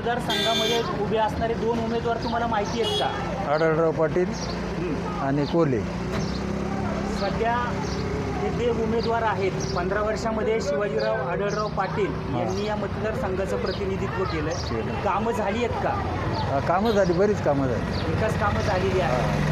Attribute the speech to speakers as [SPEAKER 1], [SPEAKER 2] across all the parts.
[SPEAKER 1] मतदारसंघामध्ये उभे असणारे 2 उमेदवार तुम्हाला माहिती आहेत का?
[SPEAKER 2] आढळराव पाटील आणि कोल्हे.
[SPEAKER 1] सध्या हे जे उमेदवार आहेत 15 वर्षामध्ये शिवाजीराव आढळराव पाटील यांनी या मतदारसंघाचं प्रतिनिधित्व केलं. कामं झाली आहेत का?
[SPEAKER 2] कामं झाली, बरीच कामं झाली.
[SPEAKER 1] विकास कामं झालेली आहेत.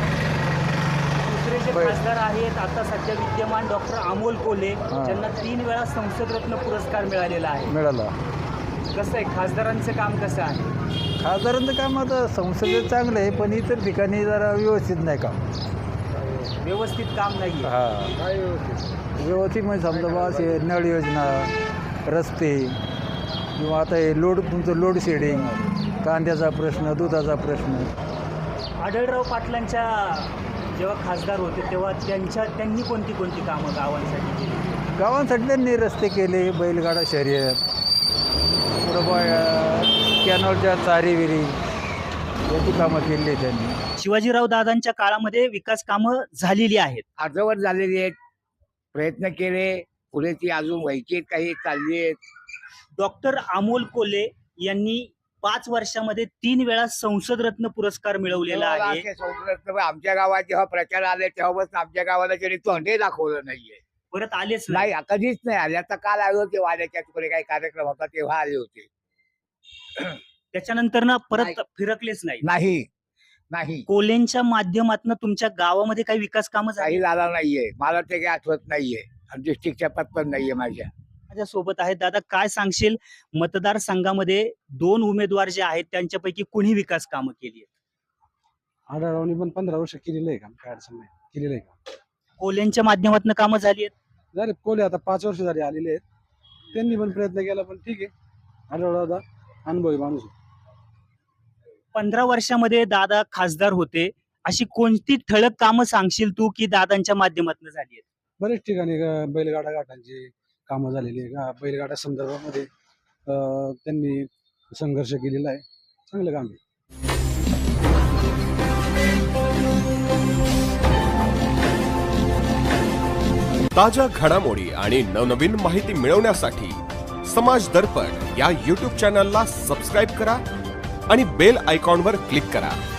[SPEAKER 1] दुसरे जे खासदार आहेत आता सध्या विद्यमान डॉक्टर अमोल कोल्हे ज्यांना 3 वेळा संसद रत्न पुरस्कार मिळालेला आहे.
[SPEAKER 2] मिळाला.
[SPEAKER 1] कसं आहे खासदारांचं काम कसं आहे?
[SPEAKER 2] खासदारांचं काम आता संसदेत चांगलं आहे, पण इतर ठिकाणी जरा व्यवस्थित नाही काम.
[SPEAKER 1] व्यवस्थित काम नाही आहे.
[SPEAKER 2] हां, व्यवस्थित म्हणजे समजा बा असे नळ योजना, रस्ते किंवा आता हे तुमचं लोड शेडिंग, कांद्याचा प्रश्न, दुधाचा प्रश्न.
[SPEAKER 1] आढळराव पाटलांच्या जेव्हा खासदार होते तेव्हा त्यांनी कोणती कामं गावांसाठी केली?
[SPEAKER 2] गावांसाठी त्यांनी रस्ते केले, बैलगाडा शर्यत, पुढं कॅनॉलच्या चारीविरी याची कामं केली त्यांनी.
[SPEAKER 1] शिवाजीराव दादांच्या काळामध्ये विकास कामं झालेली आहेत,
[SPEAKER 3] अर्धवट झालेली आहेत. प्रयत्न केले, पुढे ती अजून व्हायची आहेत, काही चालली आहेत.
[SPEAKER 1] डॉक्टर अमोल कोल्हे यांनी 5 वर्षामध्ये 3 वेळा संसद रत्न पुरस्कार मिळवलेला आहे.
[SPEAKER 3] आमच्या गावात जेव्हा प्रचार आले तेव्हापासून आमच्या गावाला त्यांनी तोंडे दाखवलं नाहीये.
[SPEAKER 1] परत आलेच
[SPEAKER 3] नाही, कधीच नाही आले. आता काल आले होते, वाड्याच्या तिकडे काही कार्यक्रम होता तेव्हा आले होते.
[SPEAKER 1] त्याच्यानंतर ना परत फिरकलेच नाही.
[SPEAKER 3] नाही नाही,
[SPEAKER 1] कोल्हेंच्या माध्यमातून तुमच्या गावामध्ये काही विकास कामं
[SPEAKER 3] काही झाला नाहीये. मला ते काही आठवत नाहीये. डिस्ट्रिक्टच्या पद पण नाहीये माझ्या
[SPEAKER 1] सोबत आहेत. दादा काय सांगशील, मतदारसंघामध्ये 2 उमेदवार जे आहेत त्यांच्यापैकी कुणी विकास कामं केली आहेत?
[SPEAKER 4] आढळरावनी पण 15 वर्ष केलेलं आहे काम, काय अडचण नाही, केलेलं आहे काम.
[SPEAKER 1] कोल्हेंच्या माध्यमातून कामं झाली आहेत.
[SPEAKER 4] झाले कोल्हे आता 5 वर्ष झाले आलेले आहेत. त्यांनी पण प्रयत्न केला, पण ठीक आहे. आढळराव दादा अनुभवी माणूस.
[SPEAKER 1] 15 वर्षामध्ये दादा खासदार होते, अशी कोणती ठळक कामं सांगशील तू की दादांच्या माध्यमातून झाली आहेत?
[SPEAKER 4] बरेच ठिकाणी बैलगाडा घाटांची कामं झालेली आहे. बैलगाडा संदर्भामध्ये त्यांनी संघर्ष केलेला आहे. चांगलं काम आहे.
[SPEAKER 5] ताज्या घडामोडी आणि नवनवीन माहिती मिळवण्यासाठी समाज दर्पण या YouTube चॅनलला सबस्क्राईब करा आणि बेल आयकॉनवर क्लिक करा.